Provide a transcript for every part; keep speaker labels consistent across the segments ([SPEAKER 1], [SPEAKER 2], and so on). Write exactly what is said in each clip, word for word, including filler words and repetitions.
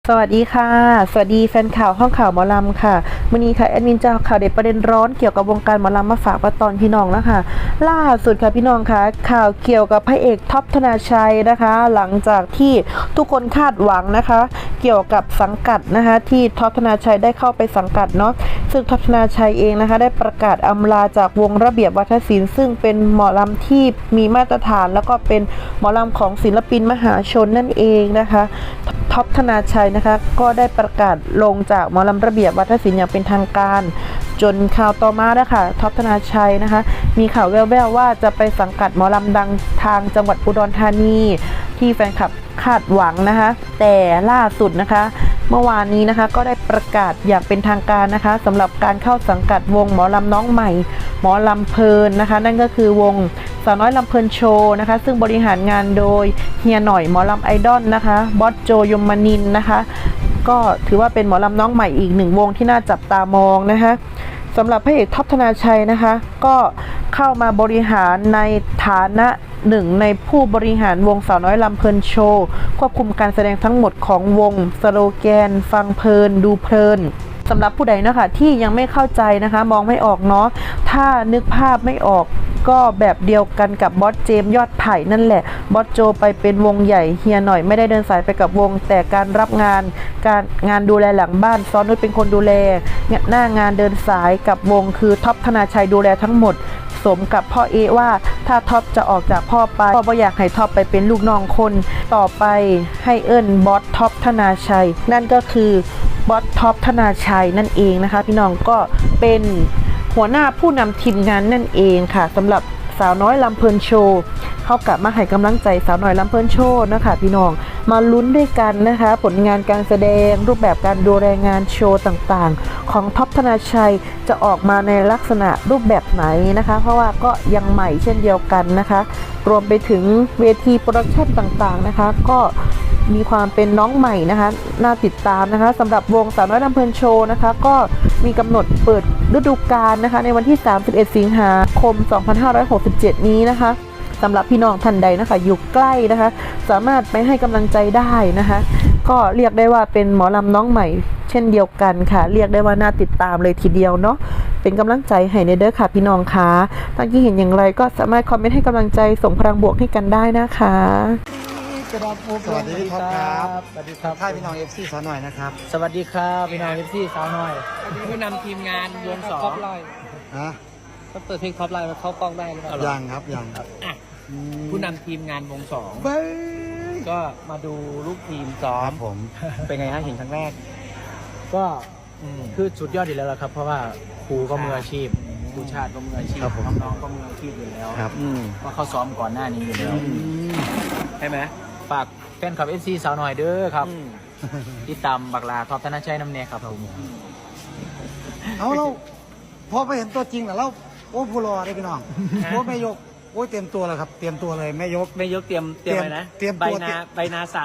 [SPEAKER 1] สวัสดีค่ะสวัสดีแฟนข่าวห้องข่าวหมอลำค่ะมื้อนี้ค่ะแอดมินจะเอาข่าวเด็ดประเด็นร้อนเกี่ยวกับวงการหมอลำมาฝากประตอนพี่น้องนะคะล่าสุดค่ะพี่น้องค่ะข่าวเกี่ยวกับพระเอกท็อปธนาชัยนะคะ หลังจากที่ทุกคนคาดหวังนะคะ เกี่ยวกับสังกัดนะคะที่ท็อปธนาชัยได้เข้าไปสังกัดเนาะซึ่งท็อปธนาชัยเองนะคะได้ประกาศอำลาจากวงระเบียบวัฒนศิลป์ซึ่งเป็นหมอลำที่มีมาตรฐานแล้วก็เป็นหมอลำของศิลปินมหาชนนั่นเองนะคะท็อปธนาชัยนะคะก็ได้ประกาศลงจากหมอลำระเบียบวัฒนศิลป์อย่างเป็นทางการจนข่าวต่อมานะคะท็อปธนาชัยนะคะมีข่าวแว่วๆว่าจะไปสังกัดหมอลำดังทางจังหวัดอุดรธานีที่แฟนคลับคาดหวังนะคะแต่ล่าสุดนะคะเมื่อวานนี้นะคะก็ได้ประกาศอย่างเป็นทางการนะคะสำหรับการเข้าสังกัดวงหมอลำน้องใหม่หมอลำเพลินนะคะนั่นก็คือวงสาวน้อยลำเพลินโชว์นะคะซึ่งบริหารงานโดยเฮียหน่อยหมอลำไอดอลนะคะบอสโจยมนินทร์นะคะก็ถือว่าเป็นหมอลำน้องใหม่อีกหนึ่งวงที่น่าจับตามองนะคะสำหรับพระเอกท็อปธนาชัยนะคะก็เข้ามาบริหารในฐานะหนึ่งในผู้บริหารวงสาวน้อยลำเพลินโชว์ควบคุมการแสดงทั้งหมดของวงสโลแกนฟังเพลินดูเพลินสำหรับผู้ใดนะคะที่ยังไม่เข้าใจนะคะมองไม่ออกเนาะถ้านึกภาพไม่ออกก็แบบเดียวกันกับบอสเจมยอดไผ่นั่นแหละบอสโจไปเป็นวงใหญ่เฮียหน่อยไม่ได้เดินสายไปกับวงแต่การรับงานการงานดูแลหลังบ้านซ้อนนุชเป็นคนดูแลหน้างานเดินสายกับวงคือท็อปธนาชัยดูแลทั้งหมดสมกับพ่อเอว่าถ้าท็อปจะออกจากพ่อไปพ่อบ่อยากให้ท็อปไปเป็นลูกน้องคนต่อไปให้เอิ้นบอสท็อปธนาชัยนั่นก็คือบอสท็อปธนาชัยนั่นเองนะคะพี่น้องก็เป็นหัวหน้าผู้นำทีมงานนั่นเองค่ะสำหรับสาวน้อยลำเพลินโชว์เข้ากลับมาให้กำลังใจสาวน้อยลำเพลินโชว์นะคะพี่น้องมาลุ้นด้วยกันนะคะผลงานการแสดงรูปแบบการดูแลงานโชว์ต่างๆของท็อปธนาชัยจะออกมาในลักษณะรูปแบบไหนนะคะเพราะว่าก็ยังใหม่เช่นเดียวกันนะคะรวมไปถึงเวทีโปรดักชั่นต่างๆนะคะก็มีความเป็นน้องใหม่นะคะน่าติดตามนะคะสำหรับวงสาวน้อยลำเพลินโชว์นะคะก็มีกำหนดเปิดฤดูกาลนะคะในวันที่สามสิบเอ็ดสิงหาคมสองพันห้าร้อยหกสิบเจ็ดนี้นะคะสำหรับพี่น้องท่านใดนะคะอยู่ใกล้นะคะสามารถไปให้กำลังใจได้นะคะก็เรียกได้ว่าเป็นหมอลำน้องใหม่เช่นเดียวกันค่ะเรียกได้ว่าน่าติดตามเลยทีเดียวเนาะเป็นกำลังใจให้ในเด้อค่ะพี่น้องคะท่านที่เห็นอย่างไรก็สามารถคอมเมนต์ให้กำลังใจส่งพลังบวกให้กันได้นะคะ
[SPEAKER 2] สวัสดีพี่ท็อปครับ
[SPEAKER 3] สวัสดีครับ
[SPEAKER 2] ค่ายพี่น้องเอฟซีสาวหน่อยนะครับ
[SPEAKER 3] สวัสดีครับพี่น้องเอฟซีสาวน้อยผู้นำทีมงานวงสองท็อปไลน์
[SPEAKER 2] ฮะ
[SPEAKER 3] ก็เปิดเพลงท็อปไลน์มาเข้ากล้องได้หรือเปล่า
[SPEAKER 2] ยังครับยังครับ
[SPEAKER 3] อ่ะผู้นำทีมงานวงสอง
[SPEAKER 2] เบ้ย
[SPEAKER 3] ก็มาดูลูกทีมซ้อ
[SPEAKER 2] ค
[SPEAKER 3] ม
[SPEAKER 2] รับผม
[SPEAKER 3] เป็นไงฮะเห็นครั้งแรก
[SPEAKER 4] ก็
[SPEAKER 3] อืม
[SPEAKER 4] คือสุดยอดอยู่แล้วล่ะครับ เพราะว่าครูก็มืออาชีพครูชาติก็มืออาชีพน้องๆก็มืออาชีพอยู่แล้ว
[SPEAKER 2] ครับ
[SPEAKER 3] อืม
[SPEAKER 4] ว่าเขาซ้อมก่อนหน้านี้อยู่แล้ว
[SPEAKER 3] ใช่ไหม
[SPEAKER 4] ฝากแฟนคลับเอฟซีสาวหน่อยเด้อครับ
[SPEAKER 3] อืม
[SPEAKER 4] ติดตามบักลาท็อปธนชัยน้ำเนยครับผม
[SPEAKER 2] เอาเราพอไปเห็นตัวจริงแล้วเราโอ้ผู้รอได้พี่น้องโอ้แม่ยกโอ้ยเตรียมตัวแล้วครับ เตรียมตัวเลยแม่ยก
[SPEAKER 3] ไม่ยกเตรียมเตรียมอะไรนะ
[SPEAKER 2] เตรียม
[SPEAKER 3] ใบ
[SPEAKER 2] ตัว
[SPEAKER 3] นาใบนาสั่น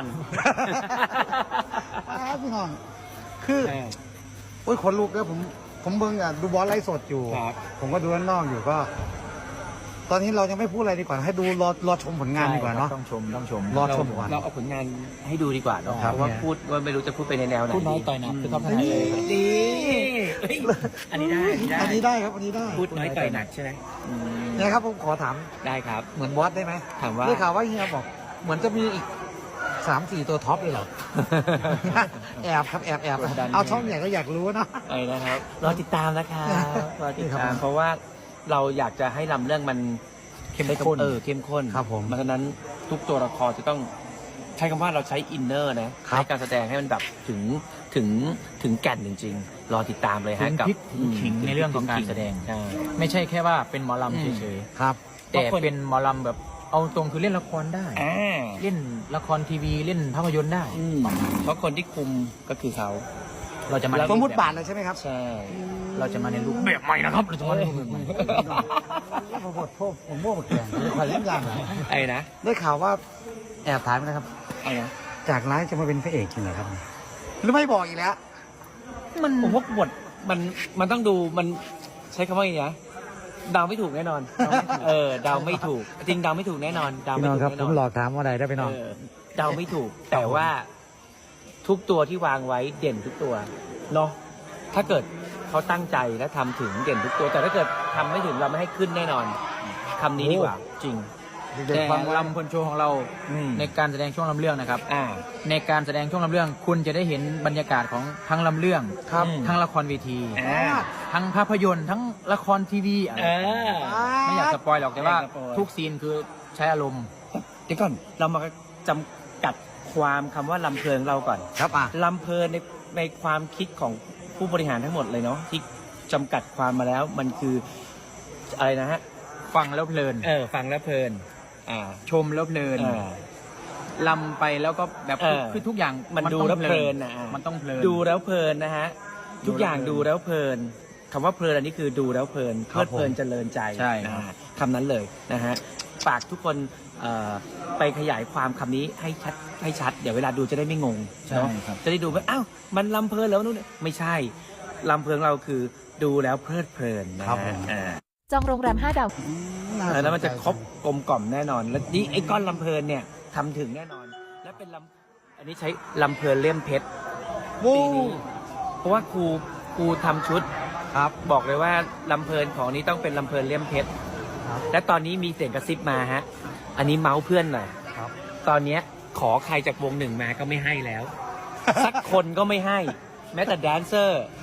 [SPEAKER 2] ครับพี่น้องคือ
[SPEAKER 3] เออ
[SPEAKER 2] โอ้ยขนลุกแล้วผมผมเบิ่งอ่ะดูบอลไลฟ์สดอยู่
[SPEAKER 3] ครับ
[SPEAKER 2] ผมก็ดูด้านนอกอยู่ก็ ตอนนี้เรายังไม่พูดอะไรดีกว่าให้ดูรอรอชมผลงานดีกว่าเนาะ
[SPEAKER 4] ต้องชมต้องชม
[SPEAKER 2] รอ
[SPEAKER 3] เรา
[SPEAKER 2] ชมก่อน
[SPEAKER 3] เราเอาผลงานให้ดูดีกว่าเนาะ
[SPEAKER 2] ครับ
[SPEAKER 3] เพราะว่า
[SPEAKER 2] เนี่ย
[SPEAKER 3] พูดว่าไม่รู้จะพูดไปในแนวไหน
[SPEAKER 4] พูดน้อยต่อยหนักคือท็อปธนชัย
[SPEAKER 3] ดีเฮ้ยอันนี้ได้
[SPEAKER 2] อันนี้ได้ครับอันนี้ได้
[SPEAKER 3] พูดน้อยต่อยหนักใช่ไหมอืม
[SPEAKER 2] เนี่ยครับผมขอถาม
[SPEAKER 3] ได้ครับ
[SPEAKER 2] เหมือนบอสได้ไหม
[SPEAKER 3] ถามว่า
[SPEAKER 2] ได้ข่าวว่าเฮียบอก เหมือนจะมีอีกสามสี่ตัวท็อปเลยเหรอ แอบครับแอบแอบ
[SPEAKER 3] กดดัน
[SPEAKER 2] เอาช่องใหญ่ก็อยากรู้นะ
[SPEAKER 3] ไอ้นะครับรอติดตามนะครับรอติด
[SPEAKER 2] นี่ครั
[SPEAKER 3] ตาม
[SPEAKER 2] บ
[SPEAKER 3] เพราะว่าเราอยากจะให้ลำเรื่องมัน
[SPEAKER 4] เข้มข้น
[SPEAKER 3] เออเข้มข้น
[SPEAKER 2] ครับผม
[SPEAKER 3] เพราะฉะนั้นทุกตัวละครจะต้องใช้คำว่าเราใช้อินเนอร์นะครับ ใช้การแสดงให้มันแบบถึงถึงถึงแก่นจริง ๆ รอติดตามเลยฮะ
[SPEAKER 4] ถึง
[SPEAKER 3] กับ
[SPEAKER 4] พริกถึงขิงในเรื่องของการแสดง
[SPEAKER 3] ใช่
[SPEAKER 4] ไม่ใช่แค่ว่าเป็นหมอลำเฉย
[SPEAKER 2] ครับ
[SPEAKER 4] ๆแต่เป็นหมอลำแบบเอาตรงคือเล่นละครได้
[SPEAKER 3] อ่า
[SPEAKER 4] เล่นละครทีวีเล่นภาพยนตร์ได้
[SPEAKER 3] อืมเพราะคนที่คุมก็คือเขา
[SPEAKER 4] เราจะมา
[SPEAKER 2] สมมติบาทเลยใช่ไหมครับ
[SPEAKER 3] ใช่
[SPEAKER 4] เราจะมาในรูปแบบใหม่นะครับเราจะมาในรูปแบบใหม่
[SPEAKER 2] ผมหมดพวกผมโม่หมดแกงเลยขอเล่นอย่างหน่อย
[SPEAKER 3] ไอ้นะ
[SPEAKER 2] ได้ข่าวว่าแอบถามนะครับ
[SPEAKER 3] ไอ้นะ
[SPEAKER 2] จากร้ายจะมาเป็นพระเอกจริงเหรอครับหรือไม่บอกอีกแล้ว
[SPEAKER 3] มันผมว่าบทมันมันต้องดูมันใช้คำว่าอย่างนี้นะเดาไม่ถูกแน่นอน เออเดาไม่ถูก จริงเดาไม่ถูกแน่นอนเดา
[SPEAKER 2] พี่
[SPEAKER 3] ไม่
[SPEAKER 2] น้อง
[SPEAKER 3] ถูก
[SPEAKER 2] ครับ
[SPEAKER 3] แน่
[SPEAKER 2] ผ
[SPEAKER 3] นอ
[SPEAKER 2] ม
[SPEAKER 3] น
[SPEAKER 2] หลอกถามว่าใดได้พี่น้อง
[SPEAKER 3] เออเดาไม่ถูก แต่ว่าทุกตัวที่วางไว้เด่นทุกตัวเนาะถ้าเกิดเขาตั้งใจและทำถึงเด่นทุกตัว แต่ถ้าเกิดทำไม่ถึงเราไม่ให้ขึ้นแน่นอนคำนี้ดีกว่าจริง
[SPEAKER 4] แต่ลำพลโชว์ของเรา
[SPEAKER 3] อืม
[SPEAKER 4] ในการแสดงช่วงลำเรื่องนะครับ
[SPEAKER 3] อ่า
[SPEAKER 4] ในการแสดงช่วงลำเรื่องคุณจะได้เห็นบรรยากาศของทั้งลำเรื่อง
[SPEAKER 3] ครับ
[SPEAKER 4] ทั้งละครเวที
[SPEAKER 3] อ่า
[SPEAKER 4] ทั้งภาพยนตร์ทั้งละครทีวีอะไร
[SPEAKER 3] อ่า
[SPEAKER 4] ไม่อยากสปอยหรอกแต่ว่า
[SPEAKER 3] ไม่อยากสปอย
[SPEAKER 4] ทุกซีนคือใช้อารมณ์
[SPEAKER 3] เดี๋ยวก่อนเรามาจำกัดความคำว่าลำเพลินเราก่อน
[SPEAKER 2] ครับอ่ะ
[SPEAKER 3] ลำเพลินในในความคิดของผู้บริหารทั้งหมดเลยเนาะที่จำกัดความมาแล้วมันคืออะไรนะฮะ
[SPEAKER 4] ฟังแล้วเพลิน
[SPEAKER 3] เออฟังแล้วเพลินอ่า
[SPEAKER 4] ชมแล้วเพลิน
[SPEAKER 3] อ่า
[SPEAKER 4] ลำไปแล้วก็แบบ
[SPEAKER 3] เออ
[SPEAKER 4] คือทุกอย่าง
[SPEAKER 3] มันดู
[SPEAKER 4] ต้อง
[SPEAKER 3] แล้วเพลินนะ
[SPEAKER 4] มันต้องเพลิน
[SPEAKER 3] ดูแล้วเพลินนะฮะทุกอย่างดูแล้วเพลินคำว่าเพลินอันนี้คือดูแล้วเพลินเพลิดเพลินเจริญใจ
[SPEAKER 4] ใช่
[SPEAKER 3] นะฮะคำนั้นเลยนะฮะฝากทุกคนเอ่อไปขยายความคำนี้ให้ชัดให้ชัดเดี๋ยวเวลาดูจะได้ไม่งง
[SPEAKER 4] ใช่
[SPEAKER 3] เนาะ
[SPEAKER 4] ครับ
[SPEAKER 3] จะได้ดูว่าอ้าวมันลำเพลินแล้วนู่นนี่ไม่ใช่ลำเพลินเราคือดูแล้วเพลิดเพลินนะครับ
[SPEAKER 2] ผม
[SPEAKER 3] อ่า
[SPEAKER 5] จองโรงแรมห้าดาว
[SPEAKER 3] แล้วมันจะครบกลมกล่อมแน่นอน แล้วนี่ไอ้ก้อนลำเพลินเนี่ยทำถึงแน่นอน และเป็นลำอันนี้ใช้ลำเพลินเลี่ยมเพชร
[SPEAKER 2] โว้
[SPEAKER 3] ปีนี้เพราะว่าครูครูทำชุด
[SPEAKER 2] ครับ
[SPEAKER 3] บอกเลยว่าลำเพลินของนี้ต้องเป็นลำเพลินเลี่ยมเพชร
[SPEAKER 2] ครับ
[SPEAKER 3] และตอนนี้มีเสียงกระซิบมาฮะ อันนี้เมาส์เพื่อนหน่อย
[SPEAKER 2] ครับ
[SPEAKER 3] ตอนเนี้ยขอใครจากวงหนึ่งมาก็ไม่ให้แล้ว สักคนก็ไม่ให้ แม้แต่แดนเซอร์